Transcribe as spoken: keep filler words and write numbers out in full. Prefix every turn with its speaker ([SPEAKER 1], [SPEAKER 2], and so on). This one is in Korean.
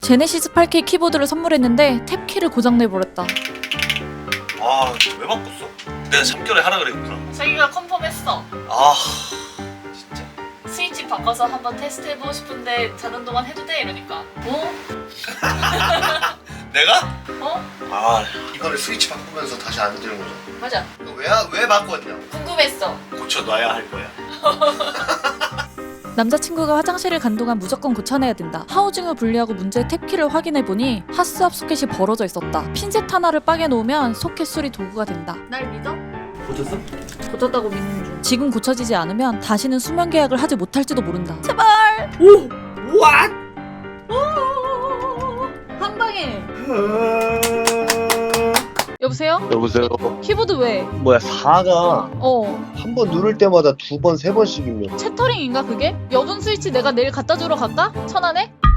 [SPEAKER 1] 제네시스 팔 케이 키보드를 선물했는데 탭키를 고장내버렸다.
[SPEAKER 2] 아, 왜 바꿨어? 내가 참결에 하라 그랬구나.
[SPEAKER 3] 자기가 컨펌했어.
[SPEAKER 2] 아, 진짜.
[SPEAKER 3] 스위치 바꿔서 한번 테스트해보고 싶은데 자는 동안 해도 돼? 이러니까 어?
[SPEAKER 2] 내가?
[SPEAKER 3] 어?
[SPEAKER 2] 아,
[SPEAKER 4] 이거를 스위치 바꾸면서 다시 안 되는 거죠?
[SPEAKER 3] 맞아.
[SPEAKER 4] 왜왜 바꿨냐?
[SPEAKER 3] 궁금했어.
[SPEAKER 2] 고쳐놔야 할 거야.
[SPEAKER 1] 남자친구가 화장실을 간 동안 무조건 고쳐내야 된다. 하우징을 분리하고 문제의 탭키를 확인해보니 하스압 소켓이 벌어져 있었다. 핀셋 하나를 빠개 놓으면 소켓 수리 도구가 된다.
[SPEAKER 3] 날 믿어?
[SPEAKER 2] 고쳤어?
[SPEAKER 3] 고쳤다고 믿는 중.
[SPEAKER 1] 지금 고쳐지지 않으면 다시는 수면 계약을 하지 못할지도 모른다. 제발!
[SPEAKER 2] 오! 왓!
[SPEAKER 1] 한 방에! 여보세요?
[SPEAKER 4] 여보세요.
[SPEAKER 1] 키보드 왜?
[SPEAKER 4] 뭐야 사가
[SPEAKER 1] 어,
[SPEAKER 4] 한 번 누를 때마다 두 번 세 번씩이면
[SPEAKER 1] 채터링인가 그게? 여분 스위치 내가 내일 갖다 주러 갈까? 천안에?